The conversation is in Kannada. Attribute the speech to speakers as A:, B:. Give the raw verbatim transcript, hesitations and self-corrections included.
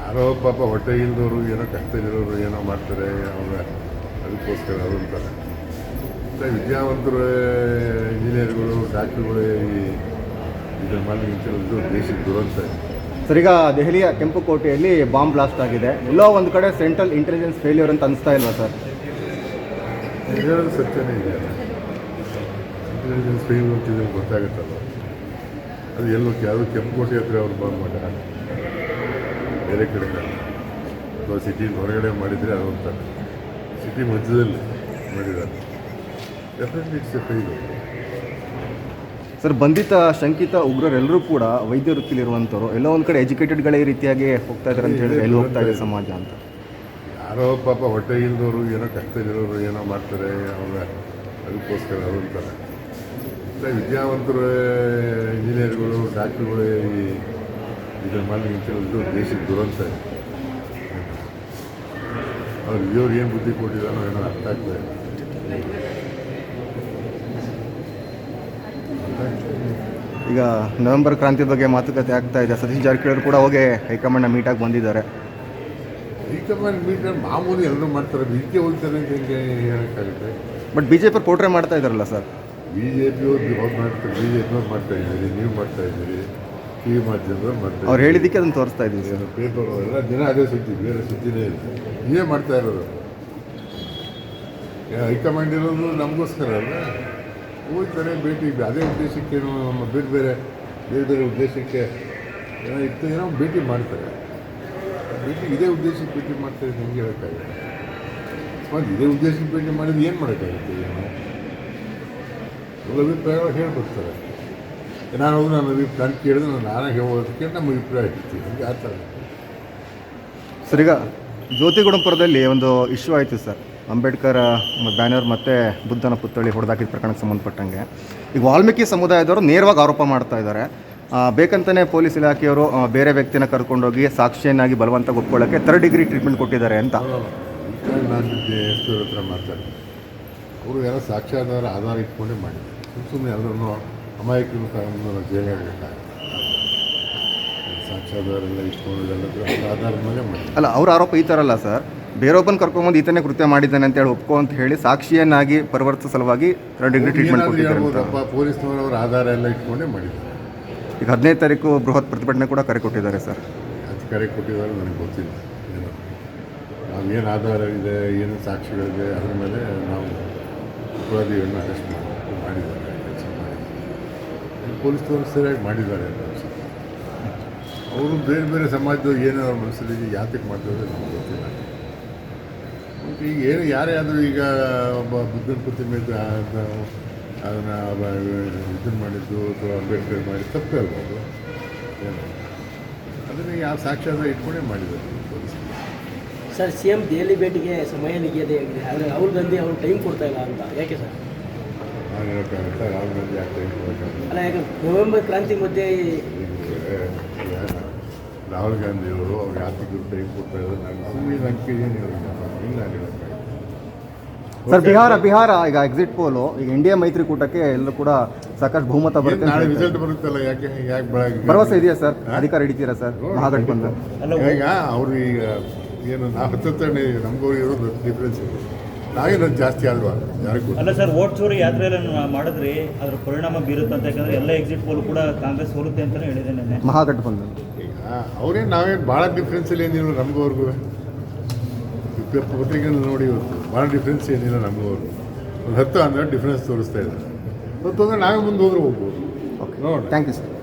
A: ಯಾರೋ ಪಾಪ ಹೊಟ್ಟೆ ಇಲ್ದವರು ಏನೋ ಕಷ್ಟದಲ್ಲಿರೋರು ಏನೋ ಮಾಡ್ತಾರೆ ಅವ್ರ ಅದಕ್ಕೋಸ್ಕರ ಅದು ಅಂತಾರೆ. ಮತ್ತು ವಿದ್ಯಾವಂತರು ಇಂಜಿನಿಯರ್ಗಳು ಡಾಕ್ಟ್ರುಗಳು ಈ ಇದನ್ನು ಮಾಡಿ ನಿಂತಿರೋದು ದೇಶಕ್ಕೆ ದುರಂತ.
B: ಸರ್, ಈಗ ದೆಹಲಿಯ ಕೆಂಪುಕೋಟೆಯಲ್ಲಿ ಬಾಂಬ್ ಬ್ಲಾಸ್ಟ್ ಆಗಿದೆ. ಎಲ್ಲೋ ಒಂದು ಕಡೆ ಸೆಂಟ್ರಲ್ ಇಂಟೆಲಿಜೆನ್ಸ್ ಫೇಲ್ಯೂರ್ ಅಂತ ಅನಿಸ್ತಾ ಇಲ್ವಾ ಸರ್?
A: ಹೇಳೋದು ಸತ್ಯನೇ ಇದೆಯಲ್ಲ. ಇಂಟೆಲಿಜೆನ್ಸ್ ಫೇಲ್ಯೂರ್ ಅಂತಿದ್ರೆ ಗೊತ್ತಾಗುತ್ತಲ್ಲ. ಅದು ಎಲ್ಲೋ ಯಾವುದು ಕೆಂಪುಕೋಟೆ ಹತ್ರ ಅವ್ರು ಬಾಂಬ್ ಮಾಡ್ಯಾರ, ಬೇರೆ ಕಡೆ ಅಥವಾ ಸಿಟಿ ಹೊರಗಡೆ ಮಾಡಿದರೆ ಅದು ಅಂತಾರೆ. ಸಿಟಿ ಮಧ್ಯದಲ್ಲಿ ಮಾಡಿದ್ದಾರೆ. Definitely it's a failure.
B: Sir, ಬಂಧಿತ ಶಂಕಿತ ಉಗ್ರರೆಲ್ಲರೂ ಕೂಡ ವೈದ್ಯ ವೃತ್ತಿಲಿರುವಂಥವ್ರು. ಎಲ್ಲೋ ಒಂದು ಕಡೆ ಎಜುಕೇಟೆಡ್ಗಳೇ ಈ ರೀತಿಯಾಗಿ ಹೋಗ್ತಾ ಇದ್ದಾರೆ ಅಂತ ಹೇಳಿದ್ರೆ ಎಲ್ಲಿ ಹೋಗ್ತಾ ಇದೆ ಸಮಾಜ ಅಂತ.
A: ಯಾರೋ ಪಾಪ ಹೊಟ್ಟೆ ಇಲ್ದವರು ಏನೋ ಕಷ್ಟದಲ್ಲಿರೋರು ಏನೋ ಮಾಡ್ತಾರೆ ಅವ್ರ ಅದಕ್ಕೋಸ್ಕರ ಅದು ಅಂತಾರೆ. ಮತ್ತು ವಿದ್ಯಾವಂತರು ಇಂಜಿನಿಯರ್ಗಳು ಡಾಕ್ಟ್ರುಗಳು ಈ ಇದನ್ನು ಮಾಡಿ ನಿಂತಿರೋದು ದೇಶಕ್ಕೆ ದುರಂತ. ಅವ್ರು ಇವ್ರು ಏನು ಬುದ್ಧಿ ಕೊಟ್ಟಿದ್ದಾನೋ ಏನೋ ಅರ್ಥ ಆಗ್ತದೆ.
B: ಈಗ ನವೆಂಬರ್ ಕ್ರಾಂತಿ ಬಗ್ಗೆ ಮಾತುಕತೆ ಆಗ್ತಾ ಇದೆ. ಸತೀಶ್ ಜಾರಕಿಹೊಳಿ ಕೂಡ ಹೋಗಿ ಹೈಕಮಾಂಡ್ನ ಮೀಟಾಗಿ ಬಂದಿದ್ದಾರೆ.
A: ಹೈಕಮಾಂಡ್ ಮೀಟರ್ ಮಾಮೂಲಿ ಎಲ್ಲರೂ ಮಾಡ್ತಾರೆ, ಇದಕ್ಕೆ ಹೋಗ್ತಾರೆ ಅಂತ ಹೆಂಗೆ ಹೇಳೋಕ್ಕಾಗುತ್ತೆ?
B: ಬಟ್ ಬಿ ಜೆ ಪಿ ಪೋಟ್ರೆ ಮಾಡ್ತಾ ಇದ್ದಾರಲ್ಲ ಸರ್.
A: ಬಿ ಜೆ ಪಿಯವ್ರು ಅವ್ರು ಮಾಡ್ತಾರೆ, ಬಿ ಜೆ ಪಿಯವ್ರು ಮಾಡ್ತಾ ಇದ್ದೀರಿ, ನೀವು ಮಾಡ್ತಾ ಇದ್ದೀರಿ, ಟಿ ವಿ ಮಾಧ್ಯಮದವ್ರು ಮಾಡ್ತಾ
B: ಅವ್ರು ಹೇಳಿದ್ದಕ್ಕೆ ಅದನ್ನು ತೋರಿಸ್ತಾ ಇದ್ದೀವಿ ಸರ್.
A: ಪೇಪರ್ ಎಲ್ಲ ದಿನ ಅದೇ ಸುದ್ದಿ, ಬೇರೆ ಸುದ್ದಿನೇ ಇಲ್ಲ. ನೀವೇ ಮಾಡ್ತಾ ಇರೋದು. ಹೈಕಮಾಂಡ್ ಇರೋದು ನಮಗೋಸ್ಕರ ಅಲ್ಲ, ಹೋಗ್ತಾರೆ ಭೇಟಿ, ಅದೇ ಉದ್ದೇಶಕ್ಕೆ ಏನೋ ನಮ್ಮ ಬೇರೆ ಬೇರೆ ಬೇರೆ ಬೇರೆ ಉದ್ದೇಶಕ್ಕೆ ಏನೋ ಇತ್ತು, ಏನೋ ಭೇಟಿ ಮಾಡ್ತಾರೆ. ಭೇಟಿ ಇದೇ ಉದ್ದೇಶಕ್ಕೆ ಭೇಟಿ ಮಾಡ್ತಾರೆ ಹೆಂಗೆ ಹೇಳೋಕ್ಕಾಗುತ್ತೆ? ಮತ್ತು ಇದೇ ಉದ್ದೇಶಕ್ಕೆ ಭೇಟಿ ಮಾಡಿದ್ರೆ ಏನು ಮಾಡೋಕ್ಕಾಗುತ್ತೆ? ಏನೋ ಎಲ್ಲ ಅಭಿಪ್ರಾಯಗಳು ಹೇಳ್ಬಿಡ್ತಾರೆ. ನಾನು ಹೋಗಿ ನನ್ನ ಅಭಿಪ್ರಾಯ ಕೇಳಿದ್ರೆ ನಾನು ನಾನಾಗಿ ಹೇಳೋದಕ್ಕೆ ನಮ್ಮ ಅಭಿಪ್ರಾಯ ಇರ್ತೀವಿ, ಹಂಗೆ ಆ ಥರ.
B: ಸರ್, ಈಗ ಜ್ಯೋತಿಗುಡಂಪುರದಲ್ಲಿ ಒಂದು ಇಶ್ಯೂ ಆಯಿತು ಸರ್. ಅಂಬೇಡ್ಕರ್ ಬ್ಯಾನರ್ ಮತ್ತು ಬುದ್ಧನ ಪುತ್ಥಳಿ ಹೊಡೆದಾಕಿದ ಪ್ರಕರಣಕ್ಕೆ ಸಂಬಂಧಪಟ್ಟಂಗೆ ಈಗ ವಾಲ್ಮೀಕಿ ಸಮುದಾಯದವರು ನೇರವಾಗಿ ಆರೋಪ ಮಾಡ್ತಾ ಇದ್ದಾರೆ. ಬೇಕಂತಲೇ ಪೊಲೀಸ್ ಇಲಾಖೆಯವರು ಬೇರೆ ವ್ಯಕ್ತಿನ ಕರ್ಕೊಂಡೋಗಿ ಸಾಕ್ಷಿಯನ್ನಾಗಿ ಬಲವಂತ ಒಪ್ಕೊಳ್ಳೋಕ್ಕೆ ಥರ್ಡ್ ಡಿಗ್ರಿ ಟ್ರೀಟ್ಮೆಂಟ್ ಕೊಟ್ಟಿದ್ದಾರೆ ಅಂತ.
A: ನಾನು ಎಷ್ಟು ಹತ್ರ ಮಾತಾಡ್ತೀನಿ, ಅವರು ಎಲ್ಲ ಸಾಕ್ಷಾಧಾರ ಆಧಾರ ಇಟ್ಕೊಂಡೇ ಮಾಡಿದ್ದಾರೆ. ಸುಮ್ಮ ಸುಮ್ಮನೆ ಎಲ್ಲರನ್ನೂ ಅಮಾಯಕರು ತಗೊಂಡು ಜೈಲಾಗಬೇಕಾಗುತ್ತೆ. ಸಾಕ್ಷಾಧಾರ ಎಲ್ಲ ಇಟ್ಕೊಂಡು ಎಲ್ಲರೂ ಆಧಾರದ ಮೇಲೆ ಮಾಡಿ
B: ಅಲ್ಲ, ಅವ್ರ ಆರೋಪ ಈ ಥರ ಅಲ್ಲ ಸರ್. ಬೇರೊಬ್ಬನ ಕರ್ಕೊಂಬಂದು ಈತನೇ ಕೃತ್ಯ ಮಾಡಿದ್ದಾನೆ ಅಂತ ಹೇಳಿ ಒಪ್ಕೊ ಅಂತ ಹೇಳಿ ಸಾಕ್ಷಿಯನ್ನಾಗಿ ಪರಿವರ್ತಿಸೋ ಸಲುವಾಗಿ ಥರ್ಡ್ ಡಿಗ್ರಿ ಟ್ರೀಟ್ಮೆಂಟ್ ಕೊಟ್ಟಿದ್ದಾರೆ.
A: ಪೊಲೀಸ್ನವರವ್ರ ಆಧಾರ ಎಲ್ಲ ಇಟ್ಕೊಂಡೇ ಮಾಡಿದ್ದಾರೆ.
B: ಈಗ ಹದಿನೈದು ತಾರೀಕು ಬೃಹತ್ ಪ್ರತಿಭಟನೆ ಕೂಡ ಕರೆ ಕೊಟ್ಟಿದ್ದಾರೆ ಸರ್.
A: ಅದು ಕರೆ ಕೊಟ್ಟಿದ್ದಾರೆ ನನಗೆ ಗೊತ್ತಿಲ್ಲ. ಏನು ನಾವು ಏನು ಆಧಾರ ಇದೆ, ಏನು ಸಾಕ್ಷಿಗಳಿದೆ, ಅದ್ರ ಮೇಲೆ ನಾವು ಅಪರಾಧಿಗಳನ್ನ ಅರೆಸ್ಟ್ ಮಾಡಿ ಮಾಡಿದ್ದಾರೆ, ಕೆಲಸ ಮಾಡಿದ್ದಾರೆ. ಪೊಲೀಸ್ನವರು ಸರಿಯಾಗಿ ಮಾಡಿದ್ದಾರೆ ಅಂತ ಅನಿಸುತ್ತೆ. ಅವರು ಬೇರೆ ಬೇರೆ ಸಮಾಜದವ್ರು ಏನೋ ಅವ್ರ ಮನಸ್ಸಲ್ಲಿ ಯಾತಕ್ಕೆ ಮಾಡ್ತಾರೆ ನಮ್ಗೆ ಗೊತ್ತಿಲ್ಲ. ಮತ್ತು ಈಗ ಏನು ಯಾರೇ ಆದರೂ ಈಗ ಒಬ್ಬ ಬುದ್ಧನ ಪ್ರತಿಮೆ ಅದನ್ನು ಇದನ್ನು ಮಾಡಿದ್ದು ಅಥವಾ ಅಂಬೇಡ್ಕರ್ ಮಾಡಿ ತಪ್ಪೇ ಅಲ್ಬೋದು. ಏನು ಅದನ್ನು ಯಾವ ಸಾಕ್ಷಾಧಾರ ಇಟ್ಕೊಂಡೇ ಮಾಡಿದ್ದಾರೆ police.
C: Sir, C M Delhi ಭೇಟಿಗೆ ಸಮಯ ನಿಗದಿ ಆಗಿದೆ, ಆದರೆ ರಾಹುಲ್ ಗಾಂಧಿ ಅವರು ಟೈಮ್ ಕೊಡ್ತಾ ಇಲ್ಲ ಅಂತ ಯಾಕೆ ಸರ್?
A: ನಾನು ಹೇಳೋಕ್ಕಾಗುತ್ತಾ ರಾಹುಲ್ ಗಾಂಧಿ ಯಾಕೆ ಟೈಮ್ ಕೊಡೋಕ್ಕಾಗಲ್ಲ?
C: ಅಲ್ಲ, ಯಾಕೆ ನವೆಂಬರ್ ಕ್ರಾಂತಿ ಮಧ್ಯೆ
A: ರಾಹುಲ್ ಗಾಂಧಿಯವರು ಅವ್ರು ಯಾತಿಗೂ ಟೈಮ್ ಕೊಡ್ತಾ ಇದ್ದಾರೆ. ನಾನು ಸುಮ್ಮನೆ ನಂಬಿಕೆ ಏನು ಹೇಳೋದು ಹಿಂಗೆ ನಾನು ಹೇಳೋಕ್ಕಾಗಲ್ಲ
B: ಸರ್. ಬಿಹಾರ ಬಿಹಾರ ಈಗ ಎಕ್ಸಿಟ್ ಪೋಲು ಈಗ ಇಂಡಿಯಾ ಮೈತ್ರಿಕೂಟಕ್ಕೆ ಎಲ್ಲೂ ಕೂಡ ಸಾಕಷ್ಟು ಬಹುಮತ ಬರುತ್ತೆ.
A: ನಾಳೆ ರಿಸಲ್ಟ್ ಬರುತ್ತಲ್ಲ, ಯಾಕೆ ಯಾಕೆ ಬೆಳಗ್ಗೆ
B: ಭರವಸೆ ಇದೆಯಾ ಸರ್? ಅಧಿಕಾರ ಹಿಡಿತೀರಾ ಸರ್ ಮಹಾಗಠಬಂಧನ್?
A: ಈಗ ಅವರು ಈಗ ಏನು ನಾವು ಹತ್ತನೇ ನಮಗೂ ಇರೋದು ಡಿಫ್ರೆನ್ಸ್ ಇದೆ. ನಾವೇನು ಜಾಸ್ತಿ ಆದ್ವಾ ಯಾರಿಗೂ
D: ಅಲ್ಲ ಸರ್. ವೋಟ್ ಚೋರಿ ಯಾತ್ರೆಯನ್ನು ಮಾಡಿದ್ರಿ, ಅದ್ರ ಪರಿಣಾಮ ಬೀರುತ್ತೆ ಅಂತ. ಯಾಕಂದರೆ ಎಲ್ಲ ಎಕ್ಸಿಟ್ ಪೋಲ್ ಕೂಡ ಕಾಂಗ್ರೆಸ್ ಸೋಲುತ್ತೆ ಅಂತಲೇ ಹೇಳಿದೆ ನೆನ್ನೆ
B: ಮಹಾಗಠಬಂಧನ್.
A: ಈಗ ಅವ್ರೇನು ನಾವೇನು ಭಾಳ ಡಿಫ್ರೆನ್ಸಲ್ಲಿ ಏನಿಲ್ಲ ನಮಗೂ ಅವ್ರಿಗೂ. ಪತ್ರಿಕೆಯಲ್ಲಿ ನೋಡಿ ಇವತ್ತು ಭಾಳ ಡಿಫ್ರೆನ್ಸ್ ಏನಿಲ್ಲ ನಮಗೂ ಅವ್ರಿಗೂ. ಒಂದು ಹತ್ತು ಹನ್ನೆರಡು ಡಿಫ್ರೆನ್ಸ್ ತೋರಿಸ್ತಾ ಇದ್ದಾರೆ. ಇವತ್ತು ಅಂದರೆ ನಾವೇ ಮುಂದೆ ಹೋದ್ರೆ ಹೋಗ್ಬೋದು.
B: ಓಕೆ,
A: ನೋಡಿ.
B: Thank you sir.